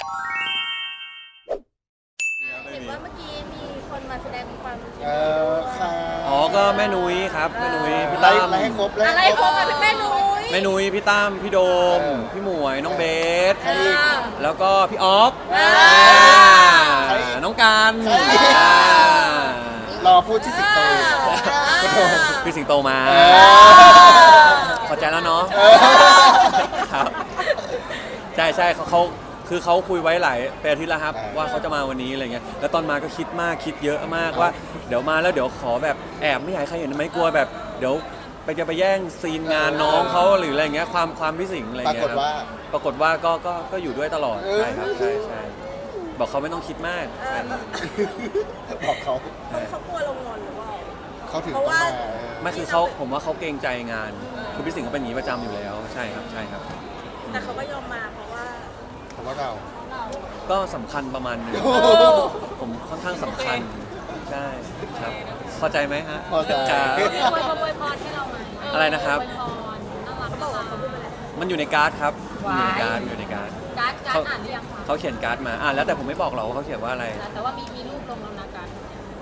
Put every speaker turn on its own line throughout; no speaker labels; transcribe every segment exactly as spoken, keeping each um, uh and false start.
เห็นว่าเมื่อกี้มีคนมาแสดงความคิด
เออค่ะ
อ๋อก็แม่นุ้ยครับแม่นุ้ยพี่
ไล่
ตั้ม
ไล่ให้ครบไล่
อะไร
ให้
ข
คร
อง
บ
มาเป็นแม่นุ้ย
แม่นุ้ยพี่ตั้มพี่โดม
เออ
พี่หมวยน้องเบส
ใครอีก
แล้วก็พี่ออฟ
อ่า
ใครอีก
น้องการ
ใครอีก
อ่าร
อพูดที่สิบโต
พี่สิงโตมา
เออ
เข้าใจแล้วเนาะ
เออ
ครับใช่ใช่เขาเขาคือเขาคุยไว้หลายเป็นอาทิตย์แล้วครับว่าเขาจะมาวันนี้อะไรเงี้ยแล้วตอนมาก็คิดมากคิดเยอะมากว่าเดี๋ยวมาแล้วเดี๋ยวขอแบบแอบไม่อยากให้ใครเห็นไหมกลัวแบบเดี๋ยวไปจะไปแย่งซีนงานน้องเขาหรืออะไรเงี้ยความความพี่สิงห์อะไร
ปรา
เงี้
ก
ย
ฏ
ครับ
ว่า
ปรากฏว่าก็ก็ก็อยู่ด้วยตลอด
เออ
ใช่ครับใช่ใช่บอกเขาไม่ต้องคิดมากใช่ครับ
บอกเขา
เขากลัวเรางอนหรือเปล่า
เขาถึง
เพ
ต้อ
ราะ
ง
ว่า
มา
ไม่คือเขาผมว่าเขาเกรงใจงานคือพี่สิงห์ก็เป็นอย่างนี้ประจำอยู่แล้วใช่ครับใช่ครับ
แต่เขาก็ยอมมาเพราะว่า
เพราะว่าเรา
ก็สำคัญประมาณหนึง
โอ้โห
ผมค่อนข้างสำคัญใช่ครับพอใจไหมฮะ
พอใจ
ครับ
อวยพรอวยพรให้เราไหม
อะไรนะครับ
อวยพรน่ารัก
เขาบอกว่าเขาพูดไปแล้ว
มันอยู่ในการ์ดครับอยู่ในการ์ดอยู่ในการ์ด
การ์ดการ์ดอ่านหรือยังคะ
เขาเขียนการ์ดมาอ่านแล้วแต่ผมไม่บอกหรอกว่าเขาเขียนว่าอะไร
แต่ว่ามีมีรูปลงแล้วนะการ์ด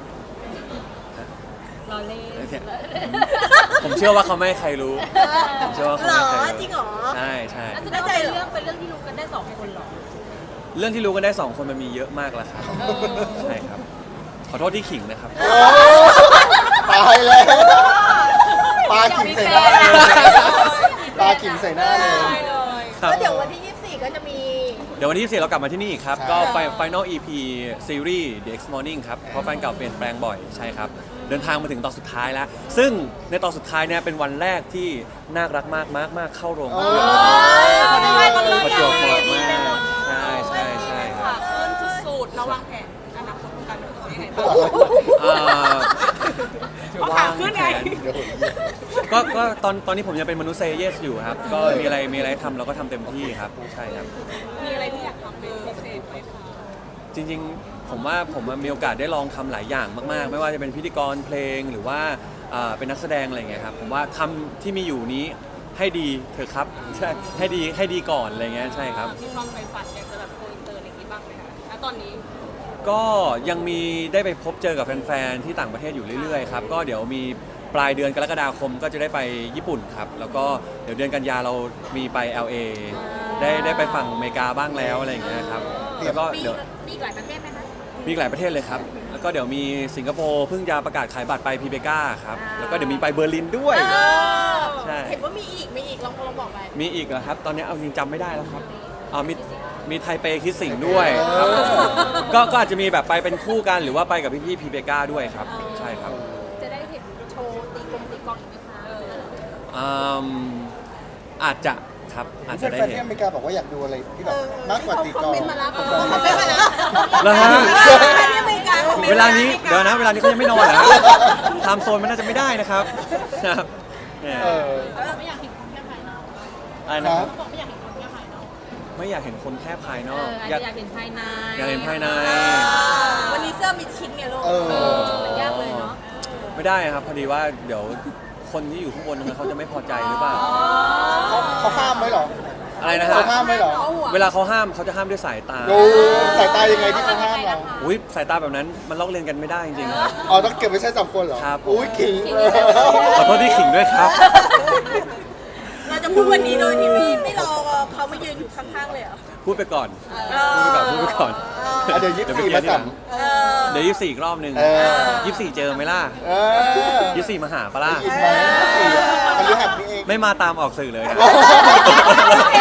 รอเล่น
ผมเชื่อว่าเขาไม่ให้ใครรู้ผมเชื่อว่าเขา
หร
ไม่
อ
ให้ใครรู้
จริงเหรอ
ใช่ใช่
แล้วแสดงว่าเป็นเรื่องเป็นเรื่องที่รู้กันได้สองคนเหรอ
เรื่องที่รู้กันได้สองคนมันมีเยอะมากแล้วครับใช่ครับขอโทษที่ขิงนะครับ
โอ้ตายแล้วปลาขิงใส่หน้าเลยปลาขิงใส่หน้าเลย
ครับ
ก็เดี๋ยววันที่ยี่สิบสี่ก็จะมี
เดี๋ยววันที่ยี่สิบสี่เรากลับมาที่นี่อีกครับ
ใช่
ก็ Final อี พี Series The X Morning ครับ เพราะแฟนเก่าเปลี่ยนแปลงบ่อยใช่ครับ เดินทางมาถึงตอนสุดท้ายแล้ว ซึ่งในตอนสุดท้ายเนี่ยเป็นวันแรกที่น่ารักมากมากมากเข้าโรง
โอ้
ภาพยนตร์
พอดีเลย
ประจวบเหมาะมากใช่ใช่ใช่ครับ
ขึ้นสุดๆเราวางแผนอนาคตการเป็นคนยังไงบ้าง
อ่า
เอาขาขึ้นไง
เดี๋ยว
ก็ก็ตอนตอนนี้ผมยังเป็นมนุษย์เซเยสอยู่ครับ ก็มีอะไรมีอะไรทำเราก็ทำเต็มที่ครับใช่ครับ
มีอะไรที่อยากทำเป็นพิเศษไหมคะ
จริงๆ ผมว่าผมมีโอกาสได้ลองทำหลายอย่างมากๆ ไม่ว่าจะเป็นพิธีกรเพลงหรือว่าอ่าเป็นนักแสดงอะไรอย่างเงี้ยครับผมว่าทำที่มีอยู่นี้ให้ดีเถอะครับใช่ให้ดีให้ดีก่อนอะไรเงี้ยใช่ครับ
มีความใฝ่ฝันอยากจะแบบโกอินเตอร์อะไรอย่างนี้บ้างไหมคะณตอนนี้
ก็ยังมีได้ไปพบเจอกับแฟนๆที่ต่างประเทศอยู่เรื่อยๆครับก็เดี๋ยวมีปลายเดือนกรกฎาคมก็จะได้ไปญี่ปุ่นครับแล้วก็เดี๋ยวเดือนกันยาเรามีไป แอล เอ ได้ได้ไปฝั่งอเมริกาบ้างแล้วอะไรอย่างเงี้ยครับแล้วก็
มี
เดี๋ยว
มีอีกหลายประเทศไหมคะ
มีอีกหลายประเทศเลยครับ แล้วก็เดี๋ยวมีสิงคโปร์เพิ่งจะประกาศขายบัตรไปพีเบกาครับ แล้วก็เดี๋ยวมีไปเบอร์ลินด้วย ใช่
เห็นว่ามีอีก มีอีก ลองลองบอกไป
มีอีกเหรอครับ ตอนนี้เอาจริงจำไม่ได้แล้วครับอ๋อมีมีไทเปคิดสิงห์ด้วยครับก็ก็อาจจะมีแบบไปเป็นคู่กันหรือว่าไปกับพี่ๆพีเบกาด้วยครับ ใช่ครับ
จะได้เห็นโชว์ตีกลมตีกลองอีกไหมคะ
อืมอาจจะครับอาจจะได้
แฟนๆ
เห็
ที่
น
อเมริกาบอกว่าอยากดูอะไรที่แบบมากกว่าตีกลอง
คอมเมนต์มาแล้วคอมเมนต์มาแล้ว
แล้วฮะ
ที่อเมริกาคอมเมนต์
เวลานี้เดี๋ยวนะเวลานี้เขายังไม่นอนนะไทม์โซนมันน่าจะไม่ได้นะครับครับเนี่ย
เออ
ไม่อยากเห็นคนแค่ภายนอก
อะไรนะครับ
บอกไม่อยากเห็นคนแค่ภายนอก
ไม่อยากเห็นคนแค่ภายน
เอ
อก
ออาจ
อยาก
จะอยากเห็นภายใน
อยากเห็นภายใน
วันนี้เสื้อมีชิ้นไงลูก
เออ
เออมันยากเลยเนาะ
ไม่ได้ครับพอดีว่าเดี๋ยวคนที่อยู่ข้างบนนั้นเขาจะไม่พอใจหรือเปล่า
เขาเขาห้ามไหมเหรอ
อะไรนะฮะ
เขาห้ามไหมเหรอ
เวลาเขาห้ามเขาจะห้ามด้วยสายตา
ดูสายตายังไงที่เขาห้ามเรา
อุ้ยสายตาแบบนั้นมันลอกเลียนกันไม่ได้จริงๆครับ
อ๋อต้องเก็บไว้ใช้สองคนเหรอ
ครับ
อุ้ยขิง
ขอโทษที่ขิงด้วยครับ
เราจะพูดวันนี้โดยที่ไม่ไม่รอเขามายืนอยู่ข้างๆเลยเหรอ
พูดไปก่อนพูดไปก่อนพูดไปก่อน
อ่ะเดี๋ยวยี่สิบสี่
ไป
มา
เคลียร์ทีห
สั่
ลั
ง
ง
เออ
เดี๋ยวยี่สิบสี่อีกรอบหนึ่ง
เออ
ยี่สิบสี่เจอไหมล่ะ
เออ
ยี่สิบสี่มาหาปะล่ะ
อีกไหมสี่อันนี้หักนี่เอง
ไม่มาตามออกสื่อเลยนะ
โอเค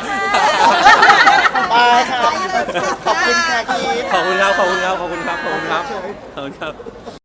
บายค่ะขอบคุณค่ะคีฟ
ขอบคุณครับขอบคุณครับขอบคุณครับขอบคุณครับขอบคุณครับ